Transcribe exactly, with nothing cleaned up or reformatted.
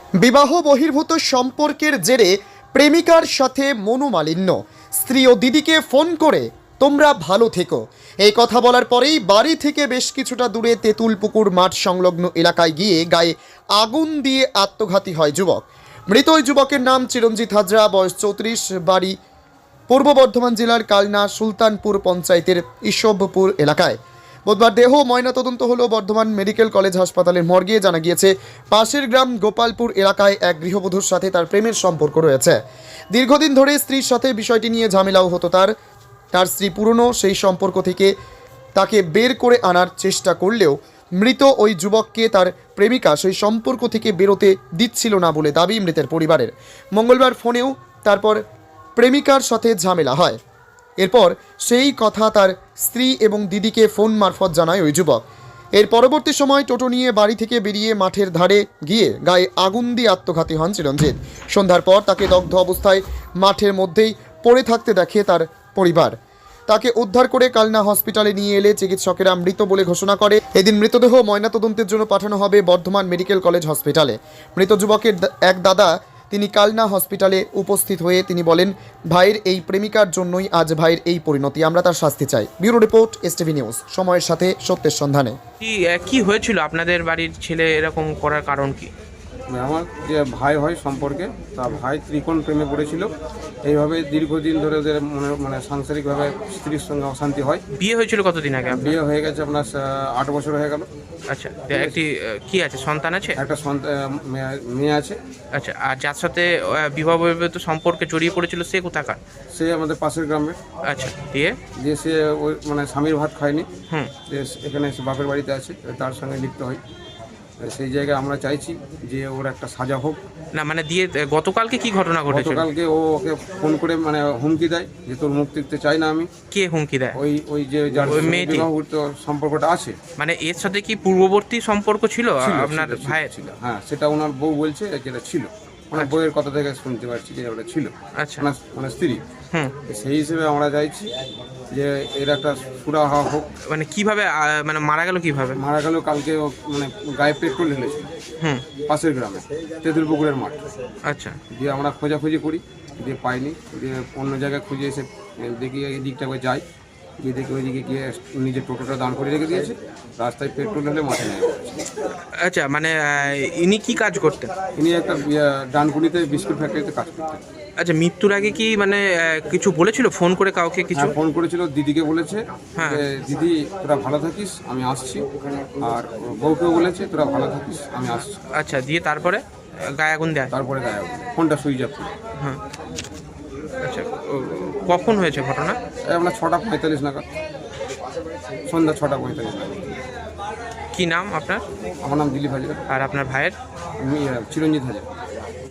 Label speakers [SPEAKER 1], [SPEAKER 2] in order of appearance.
[SPEAKER 1] বিবাহ বহির্ভূত সম্পর্কের জেরে প্রেমিকার সাথে মনোমালিন্য, স্ত্রী ও দিদিকে ফোন করে তোমরা ভালো থেকো এই কথা বলার পরেই বাড়ি থেকে বেশ কিছুটা দূরে তেঁতুলপুকুর মাঠ সংলগ্ন এলাকায় গিয়ে গায়ে আগুন দিয়ে আত্মঘাতী হয় যুবক। মৃত ওই যুবকের নাম চিরঞ্জিত হাজরা, বয়স চৌত্রিশ, বাড়ি পূর্ব বর্ধমান জেলার কালনা সুলতানপুর পঞ্চায়েতের ইসবপুর এলাকায়। বুধবার দেহ ময়নাতদন্ত হলো বর্ধমান মেডিকেল কলেজ হাসপাতালের মর্গে। জানা গিয়েছে পাশের গ্রাম গোপালপুর এলাকায় এক গৃহবধূর সাথে তার প্রেমের সম্পর্ক রয়েছে। দীর্ঘদিন ধরে স্ত্রীর সাথে বিষয়টি নিয়ে ঝামেলাও হতো তার তার স্ত্রী পুরনো সেই সম্পর্ক থেকে তাকে বের করে আনার চেষ্টা করলেও মৃত ওই যুবককে তার প্রেমিকা সেই সম্পর্ক থেকে বেরোতে দিচ্ছিল না বলে দাবি মৃতের পরিবারের। মঙ্গলবার ফোনেও তারপর প্রেমিকার সাথে ঝামেলা হয়। এরপর সেই কথা তার স্ত্রী এবং দিদিকে ফোন মারফত জানায় ওই যুবক। এর পরবর্তী সময় টোটো নিয়ে বাড়ি থেকে বেরিয়ে মাঠের ধারে গিয়ে গায়ে আগুন দিয়ে আত্মঘাতী হন চিরঞ্জিত। সন্ধ্যার পর তাকে দগ্ধ অবস্থায় মাঠের মধ্যেই পড়ে থাকতে দেখে তার পরিবার। তাকে উদ্ধার করে কালনা হসপিটালে নিয়ে এলে চিকিৎসকেরা মৃত বলে ঘোষণা করে। এদিন মৃতদেহ ময়নাতদন্তের জন্য পাঠানো হবে বর্ধমান মেডিকেল কলেজ হসপিটালে। মৃত যুবকের এক দাদা তিনি কালনা হসপিটালে উপস্থিত হয়ে তিনি বলেন, ভাইয়ের এই প্রেমিকার জন্যই আজ ভাইয়ের এই পরিণতি, আমরা তার শাস্তি চাই। ব্যুরো রিপোর্ট, এসটিভি নিউজ, সময়ের সাথে সত্যের সন্ধানে।
[SPEAKER 2] কি কি হয়েছিল আপনাদের বাড়ির ছেলে এরকম করার কারণ কি?
[SPEAKER 3] আমার যে ভাই হয় সম্পর্কে, তা ভাই ত্রিকোণ প্রেমে পড়েছিল। এইভাবে দীর্ঘদিন ধরে ওদের মনে মানে সাংসারিকভাবে স্ত্রীর সঙ্গে অশান্তি হয়।
[SPEAKER 2] বিয়ে হয়েছিল কতদিন আগে?
[SPEAKER 3] বিয়ে হয়ে গেছে আপনার আট বছর হয়ে গেল।
[SPEAKER 2] আচ্ছা, একটি কি আছে, সন্তান আছে?
[SPEAKER 3] একটা সন্তান মেয়ে আছে।
[SPEAKER 2] আচ্ছা, আর যার সাথে বিবাহ বহির্ভূত সম্পর্কে জড়িয়ে পড়েছিল সে কোথাকার?
[SPEAKER 3] সে আমাদের পাশের গ্রামের।
[SPEAKER 2] আচ্ছা, দিয়ে
[SPEAKER 3] যে সে ওই মানে স্বামীর ভাত খায়নি,
[SPEAKER 2] হুম
[SPEAKER 3] যে এখানে এসে বাপের বাড়িতে আছে, তার সঙ্গে লিপ্ত হয়। সেই জায়গায় আমরা চাইছি যে ওর একটা সাজা হোক।
[SPEAKER 2] না মানে দিয়ে গতকালকে কি ঘটনা ঘটেছিল?
[SPEAKER 3] গতকালকে ও ওকে ফোন করে মানে হুমকি দেয় যে তোর মুখ দেখতে চাই না আমি।
[SPEAKER 2] কে হুমকি দেয়?
[SPEAKER 3] ওই ওই যে যার
[SPEAKER 2] ওই মেয়েটি?
[SPEAKER 3] বিবাহিত সম্পর্কটা আছে।
[SPEAKER 2] মানে এর সাথে কি পূর্ববর্তী সম্পর্ক ছিল
[SPEAKER 3] ছিল,
[SPEAKER 2] আপনার
[SPEAKER 3] ছিল, ছিল,
[SPEAKER 2] ভাইয়ের?
[SPEAKER 3] ছিল, হ্যাঁ সেটা ওনার বউ বলছে যেটা ছিল। ওনার বউয়ের কথা থেকে শুনতে পারছি যে ওটা ছিল।
[SPEAKER 2] আচ্ছা,
[SPEAKER 3] ওনার ওনার স্ত্রী।
[SPEAKER 2] হুম
[SPEAKER 3] সেই হিসেবে আমরা চাইছি যে এর একটা সুরাহা হোক।
[SPEAKER 2] মানে কিভাবে আহ, মানে মারা গেল কিভাবে?
[SPEAKER 3] মারা গেল কালকে ও মানে গায়ে পেট্রোল ঢেলেছিল
[SPEAKER 2] হুম
[SPEAKER 3] পাশের গ্রামে তেঁতুলপুকুরের মাঠ।
[SPEAKER 2] আচ্ছা,
[SPEAKER 3] দিয়ে আমরা খোঁজাখুঁজি করি, দিয়ে পাইনি। দিয়ে অন্য জায়গায় খুঁজে এসে দেখি এই দিকটা করে যাই, গিয়ে দেখি ওই দিকে গিয়ে নিজের টোটোটা দান করে রেখে দিয়েছে। রাস্তায় পেট্রোল ঢেলে মাঠে নেমে পড়েছে।
[SPEAKER 2] আচ্ছা, মানে আহ, ইনি কি কাজ করতেন?
[SPEAKER 3] ইনি একটা ডানকুনিতে বিস্কুট ফ্যাক্টরিতে কাজ করতেন।
[SPEAKER 2] আচ্ছা, মৃত্যুর আগে কি মানে আহ, কিছু বলেছিল ফোন করে কাউকে কিছু?
[SPEAKER 3] হ্যাঁ, ফোন করেছিল, দিদিকে বলেছে
[SPEAKER 2] হ্যাঁ।
[SPEAKER 3] যে দিদি তোরা ভালো থাকিস, আমি আসছি। আর বউকেও বলেছে তোরা ভালো থাকিস, আমি আসছি।
[SPEAKER 2] আচ্ছা, দিয়ে তারপরে আহ, গায়ে আগুন দেয়?
[SPEAKER 3] তারপরে গায়ে ফোনটা সুইচ অফ।
[SPEAKER 2] হ্যাঁ। আচ্ছা, ও, কখন হয়েছে ঘটনা?
[SPEAKER 3] এই আমরা ছটা পঁয়তাল্লিশ নাগাদ, সন্ধ্যা ছটা পঁয়তাল্লিশ নাগাদ।
[SPEAKER 2] কি নাম আপনার?
[SPEAKER 3] আমার নাম দিলীপ হাজার।
[SPEAKER 2] আর আপনার ভাইয়ের?
[SPEAKER 3] আমি আহ, চিরঞ্জিত হাজার।